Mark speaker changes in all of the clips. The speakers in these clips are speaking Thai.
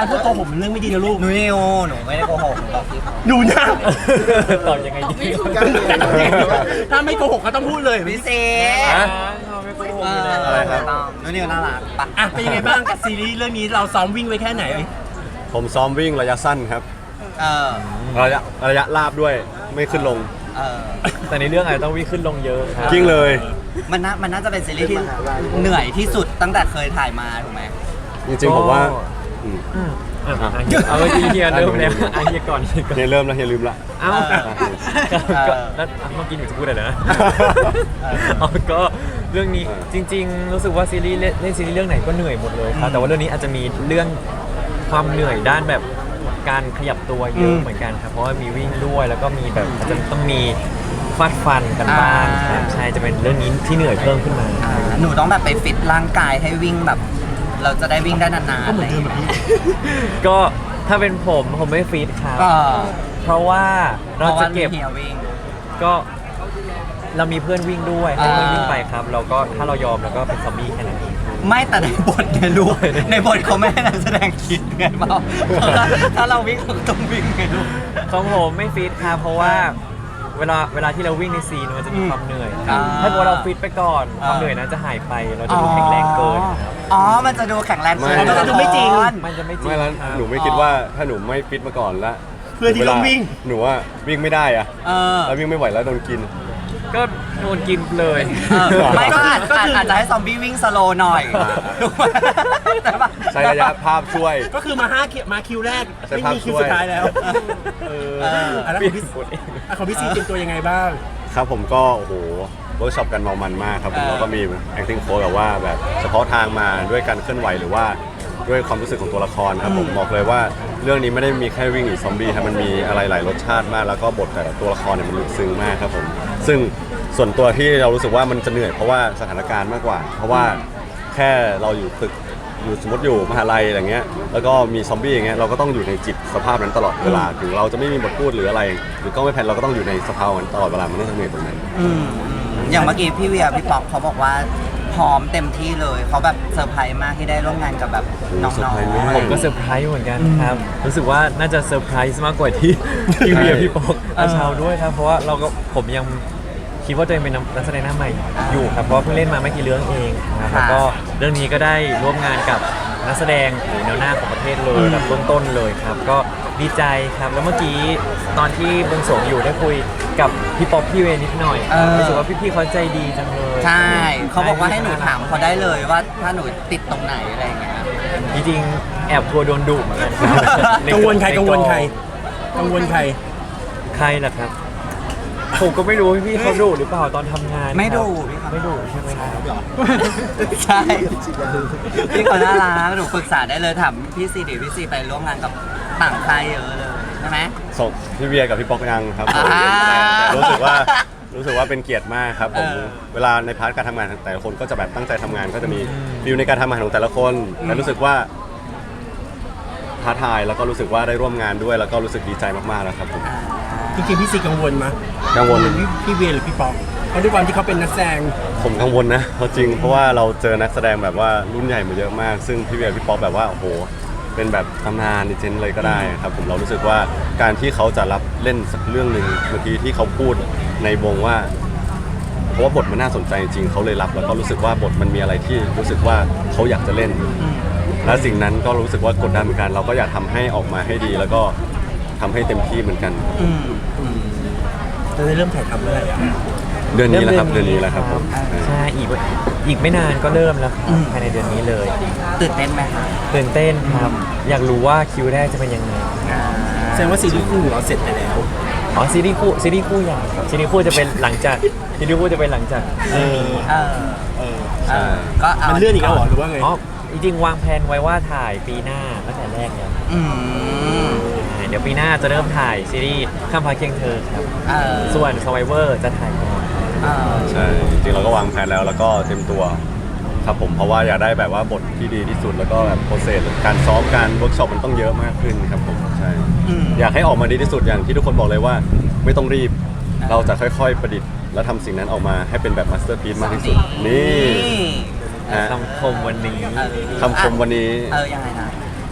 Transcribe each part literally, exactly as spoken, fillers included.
Speaker 1: การพูดโกหกเป็นเรื่องไม่ดีนะลูก
Speaker 2: หนูนิวหนูไม่ได้โกหกหนูบอกที่
Speaker 1: ดูนะ
Speaker 3: ตอบยังไงดี
Speaker 1: ถ้าไม่โกหกก็ต้องพูดเลย
Speaker 2: พี่เซ
Speaker 3: ฮะไม่โกหกเลย
Speaker 4: อะไรครับ
Speaker 2: หนูนิวน่ารักปะ
Speaker 1: อ่ะเป็นยังไงบ้างกับซีรีส์เรื่องนี้เราซ้อมวิ่งไว้แค่ไหน
Speaker 4: ผมซ้อมวิ่งระยะสั้นครับ
Speaker 2: เออ
Speaker 4: ระยะระยะลาบด้วยไม่ขึ้นลง
Speaker 2: เออ
Speaker 3: แต่ในเรื่องอาจจะต้องวิ่งขึ้นลงเยอะครับ
Speaker 4: กิ้งเลย
Speaker 2: มันน่ามันน่าจะเป็นซีรีส์ที่เหนื่อยที่สุดตั้งแต่เคยถ่ายมาถูกไหม
Speaker 4: จริงๆผมว่าอืม
Speaker 3: อืมอ่ะอ่ะเอาไปเฮียเริ่มแล้วอ่ะเฮียก่อนเฮียก่อน
Speaker 4: เนี่ยเริ่มแล้วเฮียลืมละ
Speaker 3: เอ้า
Speaker 2: เออ
Speaker 3: ก็แล้วเมื่อกี้หนูจะพูดอะไรนะเอาก็เรื่องนี้จริง ๆ รู้สึกว่าซีรีส์เล่นเล่นซีรีส์เรื่องไหนก็เหนื่อยหมดเลยครับแต่ว่าเรื่องนี้อาจจะมีเรื่องความเหนื่อยด้านแบบการขยับตัวเยอะเหมือนกันครับเพราะว่ามีวิ่งด้วยแล้วก็มีแบบอาจจะต้องมีฟาดฟันกันบ้างครับใช่จะเป็นเรื่องนี้ที่เหนื่อยเพิ่มขึ้นมา
Speaker 2: อ่าหนูต้องแบบไปฟิตร่างกายให้วิ่งแบบ เราจะได้วิ่งได้นานๆ
Speaker 1: ก็เหมือนเดิมแบบนี้
Speaker 3: ก็ถ้าเป็นผมผมไม่ฟีดครับ
Speaker 2: ก็
Speaker 3: เพราะว่า
Speaker 2: เพ
Speaker 3: เรา
Speaker 2: ราะ
Speaker 3: จะ
Speaker 2: ว่า
Speaker 3: เก็บ
Speaker 2: เฮียวิ่ง
Speaker 3: ก็เรามีเพื่อนวิ่งด้วยให้
Speaker 2: อ่า
Speaker 3: เพื่อนวิ่งไปครับ เราก็ถ้าเรายอมเราก็เป็นซอมบี้แค่นั้นเอง
Speaker 2: ไม่แต่ในบทเนี่ยรู้ในบทเขาไม่ให้นักแสดงคิดไงเปล่าถ้าเราวิ่งเราก็ต้องวิ่งไงลูก
Speaker 3: ของผมไม่ฟีดครับเพราะว่าเวลาเวลาที่เราวิ่งในซีนมันจะมีความเหนื่อยครับ
Speaker 2: อ่า
Speaker 3: ถ้าเกิดว่าเราฟีดไปก่อนความเหนื่อยนั้นจะหายไปเราจะดูแข็งแรงเกินครับ
Speaker 2: อ๋อ มันจะดูแข็งแรง
Speaker 4: ไม่
Speaker 2: เกิน
Speaker 1: มันจะดูไม่จริง
Speaker 3: มันจะไม่จริง
Speaker 4: ไม่แล้ว
Speaker 3: ครับ
Speaker 4: หนูไม่คิดว่าถ้าหนูไม่ฟิตมาก่อนแล้ว
Speaker 1: เพื่อที่ต้องวิ่ง
Speaker 4: หนูว่าวิ่งไม่ได้อะ
Speaker 2: เออ
Speaker 4: แล้ววิ่งไม่ไหวแล้วโดนกิน
Speaker 3: ก็โดนกินเลย
Speaker 2: เออไม่ก็อาจ
Speaker 1: ก็คือ
Speaker 2: อาจจะให้ซอมบี้วิ่งสโลว์หน่อย
Speaker 4: อ่า
Speaker 2: ถูกไหมแต่ว่า
Speaker 4: ใช้ระยะภาพช่วย
Speaker 1: ก็คือมาห้าคิวมาคิวแรก
Speaker 4: ใช้
Speaker 1: ไม่
Speaker 4: ภาพ
Speaker 1: มีคิว
Speaker 4: ช่วย
Speaker 1: สุดท้ายแล้ว
Speaker 3: เออ
Speaker 1: เอออ่ะแล้วของพี่
Speaker 3: ปวดเอง
Speaker 1: อ่ะของพี่ซีเตรียมตัวยังไงบ้าง
Speaker 4: ครับผมก็โอ้โหเวิร์กช็อปกันเมามันมากครับผม
Speaker 2: เออ
Speaker 4: แล้วก็มี acting coach แบบว่าแบบเฉพาะทางมาด้วยการเคลื่อนไหวหรือว่าด้วยความรู้สึกของตัวละครครับผมบอกเลยว่าเรื่องนี้ไม่ได้มีแค่วิ่งหรือซอมบี้ครับมันมีอะไรหลายรสชาติมาก แล้วก็บทแต่ละตัวละครเนี่ยมันลึกซึ้งมากครับผมซึ่งส่วนตัวที่เรารู้สึกว่ามันจะเหนื่อยเพราะว่าสถานการณ์มากกว่า เพราะว่าแค่เราอยู่ตึกอยู่สมมติอยู่มหาลัยอะไรเงี้ยแล้วก็มีซอมบี้อย่างเงี้ยเราก็ต้องอยู่ในจิตสภาพนั้นตลอดเวลาถึงเราจะไม่มีบทพูดหรืออะไร หรือก็ไม่แพนเราก็ต้องอยู่ในสภาพนั้นตลอดเวลามันต้องเหนื่อยตรงนั้น
Speaker 2: อืมอย่างเมื่อกี้พี่เวียพี่ป๊อกเขาบอกว่าพร้อมเต็มที่เลย เขาแบบเซอร์ไพรส์มากที่ได้ร่วมงานกับแบบน้
Speaker 4: เซอร์
Speaker 2: อง
Speaker 4: ไพรส์มาก
Speaker 3: ผมก็เซอร์ไพรส์เหมือนกันครับ รู้สึกว่าน่าจะเซอร์ไพรส์มากกว่าที่ พี่เวียพี่ปอกอาชาวด้วยครับ เพราะว่าเราก็ผมยังคิดว่าตัวเองเป็นนักแสดงหน้าใหม่อยู่ครับ เพราะว่าเพิ่งเล่นมาไม่กี่เรื่องเองครับแล้วก็เรื่องนี้ก็ได้ร่วมงานกับนักแสดงโหแนวหน้าของประเทศเลยแบบต้นๆเลยครับ ก็ดีใจครับ แล้วเมื่อกี้ตอนที่บวงสรวงอยู่ได้คุยกับพี่ป๊อปพี่เวนิดหน่อยรู้สึกว่าพี่ๆเขาใจดีจังเลย
Speaker 2: ๆใช่ เขาบอกว่าให้หนูถามเขาได้เลยว่าถ้าหนูติดตรงไหนอะไรอย่างเงี้ย
Speaker 3: จริงๆแอบกลัวโดนดุเหมือนกันครับใน
Speaker 1: กังวลใครกังวลใคร
Speaker 3: ในกอง
Speaker 1: กังวลใคร
Speaker 3: ใครล่ะครับ ผมก็ไม่รู้ว่าพี่เขาดุหรือเปล่าตอนทำงาน
Speaker 2: ไม่ดุ
Speaker 3: ครับ
Speaker 2: พี่ครับ
Speaker 3: ไม่ดุใช่ไหมครับ
Speaker 2: ใช่ พี่เขาน่ารักหนูปรึกษาได้เลยถามพี่ซีดิพี่ซีไปร่วมงานกับต่างค่ายเยอะเลยใช่ไหม
Speaker 4: ส่งพี่เวียกับพี่ป๊อกยังครับผม
Speaker 2: อ่า
Speaker 4: รู้สึกว่ารู้สึกว่าเป็นเกียรติมากครับผม
Speaker 2: เออ
Speaker 4: เวลาในพาร์ทการทำงานของแต่ละคนก็จะแบบตั้งใจทำงานก็จะมีฟิลในการทำงานของแต่ละคนแต่รู้สึกว่าท้าทายแล้วก็รู้สึกว่าได้ร่วมงานด้วยแล้วก็รู้สึกดีใจมากๆแล้วครับผม
Speaker 1: จริงๆพี่ซีกังวลมั้ย
Speaker 4: กังวล
Speaker 1: พี่พี่เวียหรือพี่ป๊อกเพราะด้วยความที่เขาเป็นนักแสดง
Speaker 4: ผมกังวลนะเพราะจริงเพราะว่าเราเจอนักแสดงแบบว่ารุ่นใหญ่มาเยอะมาก ซึ่งพี่เวียพี่ป๊อกแบบว่าโอ้โหเป็นแบบตำนานดิเจนเลยก็ได้ครับผมเรารู้สึกว่าการที่เขาจะรับเล่นสักเรื่องหนึ่งเมื่อกี้ที่เขาพูดในวงว่าเพราะว่าบทมันน่าสนใจจริงๆเขาเลยรับแล้วก็รู้สึกว่าบทมันมีอะไรที่รู้สึกว่าเขาอยากจะเล่น และสิ่งนั้นก็รู้สึกว่ากดดันเหมือนกัน เราก็อยากทำให้ออกมาให้ดี แล้วก็ทำให้เต็มที่เหมือนกัน
Speaker 2: อืมอืม
Speaker 1: จะได้เริ่มถ่ายทำเมื่อไหร่อ่ะ
Speaker 4: เดือนนี้แหละครับเดือนนี้แหละครับผม
Speaker 3: ใช่อีกอีกไม่นานก็เริ่มแล้วครับ
Speaker 2: อืม
Speaker 3: ภายในเดือนนี้เลย
Speaker 2: ตื่นเต้นไหมคะ
Speaker 3: ตื่นเต้นครับ อยากรู้ว่าคิวแรกจะเป็นยังไง
Speaker 2: อ่า
Speaker 1: แสดงว่าซีรีส์คู่ของเราเสร็จไปแล้ว
Speaker 3: อ๋อซีรีส์คู่ซีรีส์คู่ยังครับซีรีส์คู่จะเป็นหลังจากซีรีส์คู่จะเป็นหลังจาก
Speaker 1: เออ
Speaker 2: เออ
Speaker 1: เออ
Speaker 2: เออก็เอา
Speaker 1: มันเลื่อนอีกแล้วเหรอหรือว่าไง
Speaker 3: อ๋อจริงๆวางแผนไว้ว่าถ่ายปีหน้าตั้งแต่แรกแล้ว
Speaker 2: อืม
Speaker 3: เดี๋ยวปีหน้าจะเริ่มถ่ายซีรีส์ข้ามพาเคียงเธอครับ
Speaker 2: เออ
Speaker 3: ส่วน Survivor จะถ่ายก่อน
Speaker 2: เออ
Speaker 4: ใช่จริงๆเราก็วางแผนแล้วแล้วก็เต็มตัวครับผมเพราะว่าอยากได้แบบว่าบทที่ดีที่สุดแล้วก็แบบโปรเซสการซ้อมการเวิร์กช็อปมันต้องเยอะมากขึ้นครับผมใช่
Speaker 2: อืม
Speaker 4: อยากให้ออกมาดีที่สุดอย่างที่ทุกคนบอกเลยว่า ไม่ต้องรีบ เราจะค่อยๆประดิษฐ์ และทำสิ่งนั้นออกมาให้เป็นแบบมาสเตอร์พีซมากที่สุดนี่ ฮะ
Speaker 3: คำคมวันนี้
Speaker 2: เออ
Speaker 4: คำคมวันนี้
Speaker 2: เออยังไงนะ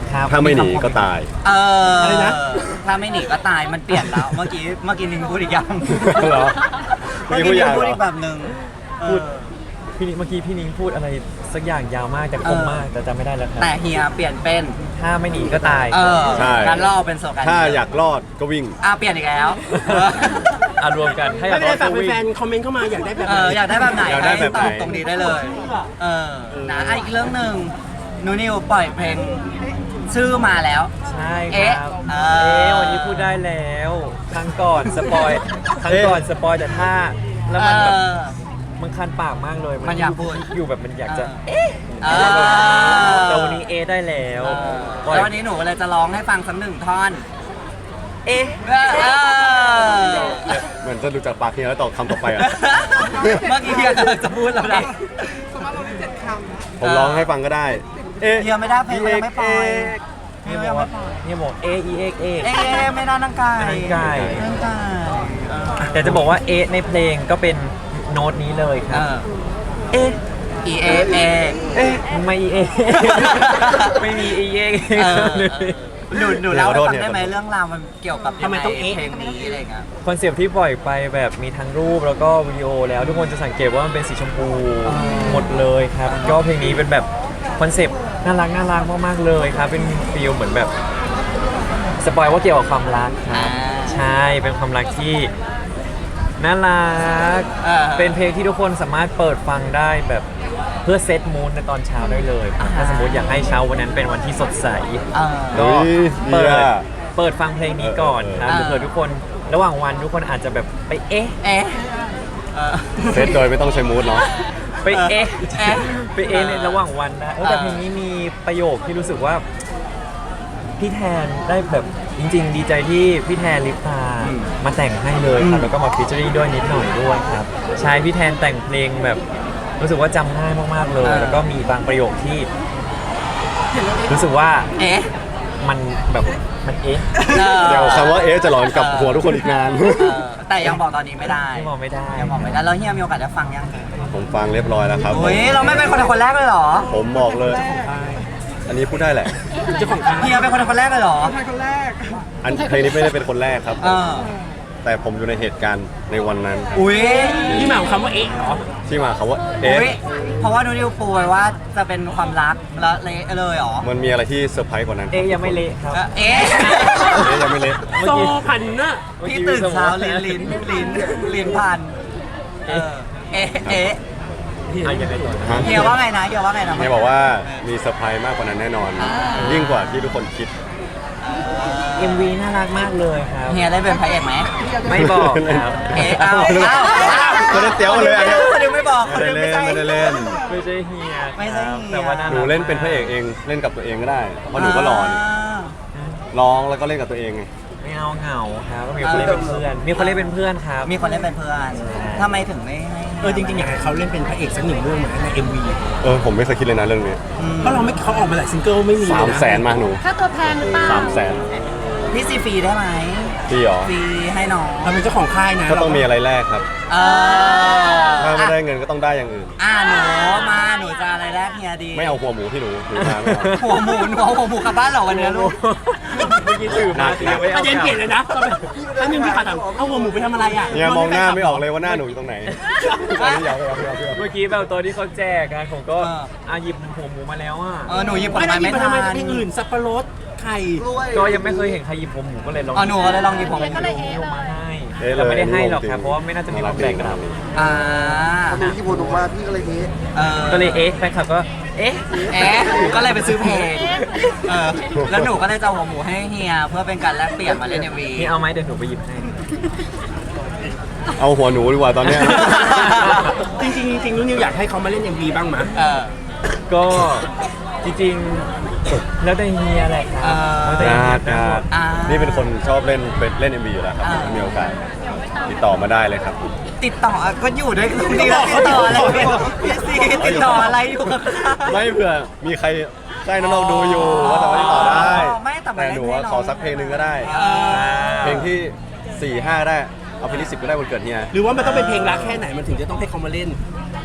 Speaker 3: ครับ
Speaker 4: ถ้าไม่หนีก็ตาย
Speaker 2: เอออะไร
Speaker 1: นะ
Speaker 2: ถ้าไม่หนีก็ตายมันเปลี่ยนแล้ว เมื่อกี้เมื่อกี้นิงพูดอีกอย่าง
Speaker 4: เหรอ
Speaker 2: เมื่อ
Speaker 4: เมื่อกี้
Speaker 2: กี้
Speaker 4: พู
Speaker 2: นิ
Speaker 4: ด
Speaker 2: ง
Speaker 4: ยาวเหรอ
Speaker 2: พูดอีกแบบหนึ่ง
Speaker 3: พูด
Speaker 2: เออ
Speaker 3: พี่นิ้งเมื่อกี้พี่นิ้งพูดอะไรสักอย่างยาวมากแต่คมมากแต่จำไม่ได้แล้วครับ
Speaker 2: แต่เฮียเปลี่ยนเป็น
Speaker 3: ถ้าไม่หนีก็ตาย
Speaker 2: เออ
Speaker 4: ใช่
Speaker 2: งั้นเราเอาเป็นโซกัน
Speaker 4: ถ้าอยากรอดก็วิ่ง
Speaker 2: อ่ะเปลี่ยนอีกแล้ว
Speaker 3: อ่ะรวมกันให้
Speaker 1: ไม่เป็นไร
Speaker 3: รอด
Speaker 1: ฝาก
Speaker 3: ก็วิ่ง
Speaker 1: แฟนๆคอมเมนต์เข้ามาอยากได้แบบ
Speaker 2: เอ
Speaker 1: ไหน
Speaker 2: ออยากได้แบบไหน
Speaker 4: อยากได้แบบไหน
Speaker 2: ตอบตรงนี้ได้เลย เออนะอ่ะอีกเรื่องหนึ่งนูนิวปล่อยเพลงชื่อมาแล้ว
Speaker 3: ใช่ค
Speaker 2: เอ๊ะ
Speaker 3: รับ
Speaker 2: เออ
Speaker 3: เอ๊ะวันนี้พูดได้แล้วครั้งก่อนสปอยครั้งก่อนสปอยแต่ถ้าแล้วมันแบบ
Speaker 2: เออ
Speaker 3: มันคันปากมากเลย
Speaker 2: มันอยากพูด
Speaker 3: อยู่แบบมันอยากจะ
Speaker 2: เออ
Speaker 3: แต่วันนี้เอะได้แล้ว
Speaker 2: เออ
Speaker 3: ปล่อย
Speaker 2: แล้ววันนี้หนูเลยจะร้องให้ฟังสักหนึ่งท่อน
Speaker 3: เอ๊ะ
Speaker 2: เออเออ
Speaker 4: เหมือนจะดูจากปากเฮียแล้วต่อคำต่อไปอ่ะ
Speaker 2: เมื่อกี้เฮียกำลังจะพูดแล้วนะ
Speaker 4: ผมร้องให้ฟังก็ได้ เอ๊ะ
Speaker 2: เฮียไม่ได้เพลงมันยังไม่ปล่อยเฮี
Speaker 3: นี่
Speaker 2: ย
Speaker 3: บ
Speaker 2: ยั
Speaker 3: อก
Speaker 2: งไม่
Speaker 3: ว่า
Speaker 2: ปล่อย
Speaker 3: นี่บอกเอเอเอเอ
Speaker 2: เอ๊ะไม่ได้นั่งไก่
Speaker 3: นั่งไก่
Speaker 2: นั่งไก่เออ
Speaker 3: แต่จะบอกว่าเอะในเพลงก็เป็นโน้ตนี้เลยค
Speaker 2: เอ
Speaker 3: รับ
Speaker 2: อ
Speaker 3: เอ๊ะ
Speaker 2: E A A
Speaker 3: เอ๊ะไม่เอะไม่มีเอเอ
Speaker 2: เออ
Speaker 3: เลย
Speaker 2: หนูหนูเล่าให้ฟังได้ไหม
Speaker 4: ขอโทษเนี่ย
Speaker 2: เรื่องราวมันเกี่ยวกับยังไงเพลงนี้อะไรเงี้ย
Speaker 3: คอนเซปต์ที่ปล่อยไปแบบมีทั้งรูปแล้วก็วิดีโอแล้วทุกคนจะสังเกตว่ามันเป็นสีชมพูหมดเลยครับ ก็เพลงนี้เป็นแบบคอนเซปต์น่ารักน่ารักมากๆเลยครับ เป็นฟีลเหมือนแบบสปอยว่าเกี่ยวกับความรักครับ
Speaker 2: อ่า
Speaker 3: ใช่เป็นความรักที่น่ารัก
Speaker 2: เออ
Speaker 3: เป็นเพลงที่ทุกคนสามารถเปิดฟังได้แบบเพื่อเซตมูนในตอนเช้าได้เลยครับถ้าสมมติอยากให้เช้าวันนั้นเป็นวันที่สดใส
Speaker 2: เออ
Speaker 3: ก็
Speaker 4: เฮ้ย
Speaker 3: เปิด
Speaker 4: ดีอะ
Speaker 3: เปิดฟังเพลงนี้ก่อนครับ
Speaker 2: เออ
Speaker 3: เผื่อทุกคนระหว่างวันทุกคนอาจจะแบบไปเอ๊ะ
Speaker 2: เอ๊ะเออ
Speaker 4: เซตโดยไม่ต้องใช้มูดเนาะ
Speaker 3: ไปเอ๊ะ
Speaker 2: เอ๊ะ
Speaker 3: ไปเอ๊ะในระหว่างวันนะเออแต่
Speaker 2: เออ
Speaker 3: เพลงนี้มีประโยคที่รู้สึกว่า พี่แทนได้แบบจริง ๆ ดีใจที่พี่แทนลิปตามาแต่งให้เลยครับแล้วก็มาฟิชเจอรี่ด้วยนิดหน่อยด้วยครับใช่พี่แทนแต่งเพลงแบบรู้สึกว่าจำง่ายมากๆเลย แล้วก็มีบางประโยคที่ รู้สึกว่า
Speaker 2: เอ๊ะ
Speaker 3: มันแบบมันเอ๊ะ
Speaker 2: ออ
Speaker 4: เดี๋ยวคำว่าเอ๊ะจะหลอนกับหัวทุกคนอีกนาน
Speaker 2: เออแต่ยังบอกตอนนี้ไม่ได้
Speaker 3: ที่บอกไม่ได้
Speaker 2: ยังบอกไม่ได้แล้วเฮียมีโอกาสได้ฟังยัง
Speaker 4: ผมฟังเรียบร้อยแล้วครับ
Speaker 2: โอ้ยเราไม่เป็นคนคนแรกเลยเหรอ
Speaker 4: ผมบอกเลย อันนี้พูดได้แหละ
Speaker 1: เจ้าของค่าย
Speaker 2: เฮียเป็นคนคนแรกเลยเหรอ
Speaker 4: อันเพลงนี้ไม่ได้เป็นคนแรกครับ
Speaker 2: เออ
Speaker 4: แต่ผมอยู่ในเหตุการณ์ในวันนั้น
Speaker 2: อุ้ย
Speaker 1: ที่มาของคำว่าเอ๊ะเหรอ
Speaker 4: ที่มาคำว่าเอ๊ะ
Speaker 2: อุ้ยเพราะว่านูนิวปูไว้ว่าจะเป็นความรักแล้วเละเลยเหรอ
Speaker 4: มันมีอะไรที่เซอร์ไพรส์กว่านั้น
Speaker 3: เอ๊ะยังไม่เละครับ
Speaker 2: เออเอ๊ะ
Speaker 4: เอ๊ะยังไม่เละ
Speaker 1: โซพันน่ะ
Speaker 2: พี่ตื่นเช้าลิ้นลิ้นลิ้นลิ้นพันเออเอ๊ะเอ๊ะ
Speaker 3: อ่ะยังไงต่อนะ
Speaker 4: ฮะ
Speaker 2: เฮียว่าไงนะเฮียว่าไงนะ
Speaker 4: เนี่ยบอกว่ามีเซอร์ไพรส์มากกว่านั้นแน่นอน ยิ่งกว่าที่ทุกคนคิด
Speaker 3: เอ็ม วี น่ารักมากเลยครับ
Speaker 2: เฮียได้เป็นพระเอกไหม
Speaker 3: ไม่บอกครับ
Speaker 2: เอ๊ะเอาเอา
Speaker 4: ไม่ได้เตี้ยวเลยอันเนี้ย
Speaker 2: คนเดียวไม่บอกคน
Speaker 4: ไม่
Speaker 2: เดี
Speaker 4: ได้
Speaker 2: ยวไม่
Speaker 4: เล่น
Speaker 2: ใช่
Speaker 4: ไม่ได้เล่น
Speaker 3: ไม่ใช่เฮีย
Speaker 2: ไม่ใช่
Speaker 3: ครับ
Speaker 2: เฮีย
Speaker 3: แต่ว่าน่ารัก
Speaker 4: หนูเล่นเป็นพระเอกเองเล่นกับตัวเองก็ได้เพราะหนูก็หล่อนี่ร้องแล้วก็เล่นกับตัวเองไง
Speaker 3: ไม่เอาเหงาครับก็มีคนเล่นเป็นเพื่อน มีคนเล่นเป็นเพื่อนครับ
Speaker 2: มีคนเล่นเป็นเพื่อนทำไมถึงไม่ให้
Speaker 1: เออจริงๆอยากให้เขาเล่นเป็นพระเอกสักหนึ่งเรื่องเหมือนใน เอ็ม วี
Speaker 4: เออผมไม่เคยคิดเลยนะเรื่องนี้
Speaker 1: เพราะเราไม่เขาออกมาหลายซิงเกิลไม่มีเลย
Speaker 4: สาม
Speaker 1: นะ
Speaker 4: แสนมาหนู
Speaker 5: ค่าตัวแพงหรือเปล่า
Speaker 4: สามแสน
Speaker 2: พี่ซีฟรีได้ไหม
Speaker 4: พี่หรอ
Speaker 2: ฟรีให้น้อง
Speaker 1: เราเป็นเจ้าของค่ายนะ
Speaker 4: ก็ต้องมีอะไรแรกครับ
Speaker 2: เออ
Speaker 4: ถ้าไม่ได้เงินก็ต้องได้อย่างอื่น
Speaker 2: อ่าหนูมาหนูจะอะไรแรกเฮียดี
Speaker 4: ไม่เอาหัวหมูที่หนูหนูมาไม่เอา
Speaker 2: หัวหมูหนูเอาหัวหมูกลับบ้านเหรอวันนี้ลูก
Speaker 3: เมื่อกี้สื่อมาเสียไม่
Speaker 1: ป
Speaker 3: เอา
Speaker 1: ระเด็นเปลี่ยนเลยนะอันนึงพี่ขาถามเอาหัวหมูไปทำอะไรอ่ะ
Speaker 4: เนี่ยมองหน้าไม่ออกเลยว่าหน้าหนูอยู่ตรงไหนอันนี้อยากไปเอาไปเอาไปเอา
Speaker 3: เมื่อกี้แบบตัวที่เขาแจกกันผมก็
Speaker 2: เออ
Speaker 3: อาหยิบหัวหมูมาแล้วอ่ะ
Speaker 2: เออหนูหยิบผล
Speaker 1: ไม่ได้
Speaker 2: ไม้
Speaker 1: มี
Speaker 2: ไม่
Speaker 1: ไป
Speaker 2: ทั
Speaker 1: ทำไม
Speaker 2: น
Speaker 1: เพลงอื่นสับปะรดไข่
Speaker 3: ก็ยังไม่เคยเห็นใครหยิบหัวหมูก็เลยลอง
Speaker 2: อ๋อหนูก็เลยลองหยิบผม
Speaker 5: ก็เลยเอ๊ะ
Speaker 3: ลง
Speaker 5: เล
Speaker 3: มาย ให้
Speaker 4: เอ๊ะเลย
Speaker 3: แต่ไม่ได้ให้หรอกครับเพราะว่าไม่น่าจะมีคนแบ่งกัน
Speaker 2: อ่า
Speaker 6: ดูที่พูดออกมาพี่ก็เลยนี้
Speaker 2: เออ
Speaker 3: ก็เลยเอ๊ะแฟนคลับก็เอ๊ะ
Speaker 2: เอ๊ะก็เลยไปซื้อเพลงเออแล้วหนูก็เลยจะเอาหัวหมูให้เฮียเพื่อเป็นการแลกเปลี่ยนมาเล่นเอ็มวี
Speaker 3: นี่เอาไหมเดี๋ยวหนูไปหยิบให้
Speaker 4: เอาหัวหนูดีกว่าตอนเนี้ย
Speaker 1: จริงๆจริงๆนุ่นนิวอยากให้เขามาเล่น เอ็ม วี บ้างมั้ย
Speaker 2: เออ
Speaker 3: ก็จริงๆแล้วแต่เฮียแหละครั
Speaker 2: เอบ อ
Speaker 3: แล้วแต่เฮี
Speaker 4: ญาย ติ
Speaker 3: ทั้ง
Speaker 4: ญา
Speaker 3: หมด
Speaker 4: ติ
Speaker 2: อ่านี่
Speaker 4: นี่เป็นคนชอบเล่นเป็นเล่น เอ็ม วี อยู่แล้วครับ
Speaker 2: อ่า
Speaker 4: ถ้ามีโอกาสติดต่อมาได้เลยครับ
Speaker 2: ติดต่อก็อยู่ด้วยตรงนี้แล้วติดต่ออะไรพี่ซีติดต่ออะไรอยู่กับ
Speaker 4: ไม่เผื่อมีใครใกล้น้องๆดูอยู่ว่าสามารถติดต่อได้
Speaker 2: ไม่แต่มา
Speaker 4: แต่
Speaker 2: เล่น
Speaker 4: หนู
Speaker 2: ให้
Speaker 4: ว่า
Speaker 2: น้อง
Speaker 4: ขอสักเพลงหนึ่งก็ได้
Speaker 2: เออ
Speaker 4: เพลงที่สี่ห้าได้เอาเพลงที่สิบก็ได้วันเกิดเฮีย
Speaker 1: หรือว่ามันต้องเป็นเพลงรักแค่ไหนมันถึงจะต้องให้เขามาเล่น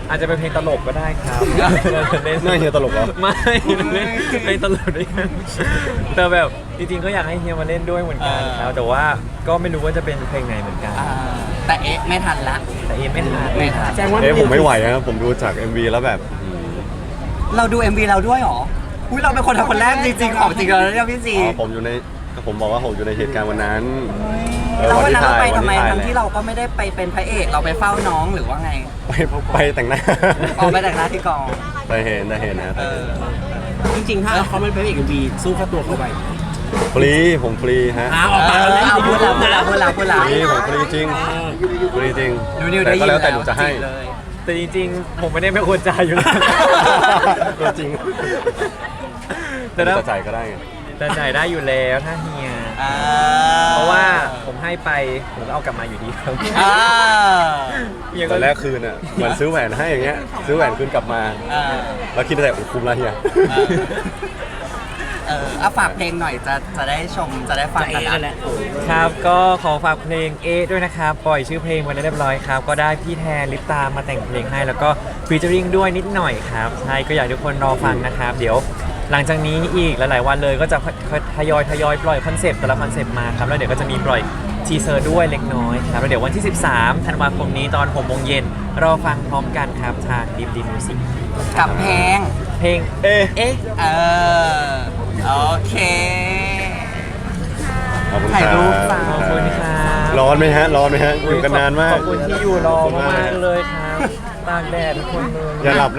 Speaker 3: อาจจะเป็นเพลงตลกก็ได้ครับเล่น
Speaker 4: น่าเฮียตลกเหรอ
Speaker 3: ไม่เล่นเพลงตลกด้วยกันแต่แบบจริงๆก็อยากให้เฮียมาเล่นด้วยเหมือนกันครับแต่ว่าก็ไม่รู้ว่าจะเป็นเพลงไหนเหมือนกัน
Speaker 2: อ่าแต่เอ๊ะไม่ทันละ
Speaker 3: แต่เอไม่ทัน
Speaker 2: ไม่ทัน
Speaker 1: แสดงว่า
Speaker 4: เอ๊ะผมไม่ไหวนะผมดูจาก เอ็ม วี แล้วแบบอืม
Speaker 2: เราดู เอ็ม วี เราด้วยเหรออุ้ยเราเป็นคนทำคนแรกจริงๆของจริงเลยเนี่ยพี่ซี
Speaker 4: อ๋อผมอยู่ในผมบอกว่าผมอยู่ในเหตุการณ์วันนั้นเออ
Speaker 2: แล้ววันนั้นเราไป
Speaker 4: วั
Speaker 2: ทำไม
Speaker 4: ถ่าย
Speaker 2: ทั้งที่เราก็ไม่ได้ไปเป็นพระเอกเราไปเฝ้าน้องหรือว่าไง
Speaker 4: ไปไปแต่งหน้า
Speaker 2: ออกไปแต่งหน้าที่กอง
Speaker 4: ไปเห็นได้เห็นนะ
Speaker 2: เออ
Speaker 1: จริงๆ ถ้าเขาไม่เป็นเอกเอ็มวีสู้ค่าตัวเขาไป
Speaker 4: ฟรีผมฟรีฮะ
Speaker 1: อ้าวออก
Speaker 2: เอ
Speaker 1: ปาก
Speaker 2: อ
Speaker 1: กันแล้ว
Speaker 2: เอาพูดแล้วพูดแล้วพูดแล้วพูด
Speaker 4: ฟ
Speaker 2: แล้ว
Speaker 4: รีผมฟรีจริงฟรีจริง
Speaker 2: นิวๆได้
Speaker 4: แต่
Speaker 2: ยิ
Speaker 4: ก็
Speaker 2: น
Speaker 4: แล้วแต่หนูจะให้
Speaker 2: จีบเลย
Speaker 3: แต่จริงๆ ผมไม่ได้เป็นคนจ่ายอยู่แล้ว
Speaker 4: ตัวจริง
Speaker 3: แต่ถ้า
Speaker 4: จะจ่ายก็ได้ไง
Speaker 3: แต่จ่ายได้อยู่แล้วถ้าเฮีย
Speaker 2: อ่า
Speaker 3: เพราะว่าผมให้ไปผมก็เอากลับมาอยู่ดีครับ
Speaker 2: อ่า
Speaker 3: เฮีย
Speaker 4: ต
Speaker 3: ก็
Speaker 4: อนแรกคืนอ่ะเหมือนซื้อแหวนให้อย่างเงี้ยซื้อแหวนคืนกลับมา
Speaker 2: อ่า
Speaker 4: แล้วคิดแต่คุ้มแล้วเฮีย
Speaker 2: เออเอาฝากเพลงหน่อยจะจะได้ชมจะได้ฟัง
Speaker 1: จะเอ
Speaker 2: กัน
Speaker 1: กันแหละ
Speaker 3: ครับ ก็ขอฝากเพลงเอด้วยนะครับ ปล่อยชื่อเพลงไว้เรียบร้อยครับ ก็ได้พี่แทนลิปตามาแต่งเพลงให้ แล้วก็ฟีเจอริงด้วยนิดหน่อยครับ ใช่ ก็อยากให้ทุกคนรอฟังนะครับ เดี๋ยวหลังจากนี้อีกหลายๆวันเลยก็จะทยอยทยอยปล่อยคอนเซปต์แต่ละคอนเซปต์มาครับ แล้วเดี๋ยวก็จะมีปล่อยทีเซอร์ด้วยเล็กน้อยครับ แล้วเดี๋ยววันที่ สิบสามธันวาคมนี้ตอนหกโมงเย็นรอฟังพร้อมกันครับทางดิมดิมมิวสิก
Speaker 2: กับเพลง
Speaker 3: เพลง
Speaker 4: เอ๊ะ
Speaker 3: เอ๊ะ
Speaker 2: เออโอเค
Speaker 4: ขอบคุณ
Speaker 2: ถ่ายรูป
Speaker 4: ค
Speaker 2: จ้า
Speaker 3: ขอบคุณครับ
Speaker 4: ร้อนไหมฮะ ร้อนไหมฮะ อยู่กันนานมาก
Speaker 3: ขอบคุณที่อยู่รอมากๆเลยครับ ตากแดดทุกคนเลย
Speaker 4: อย่าหลับ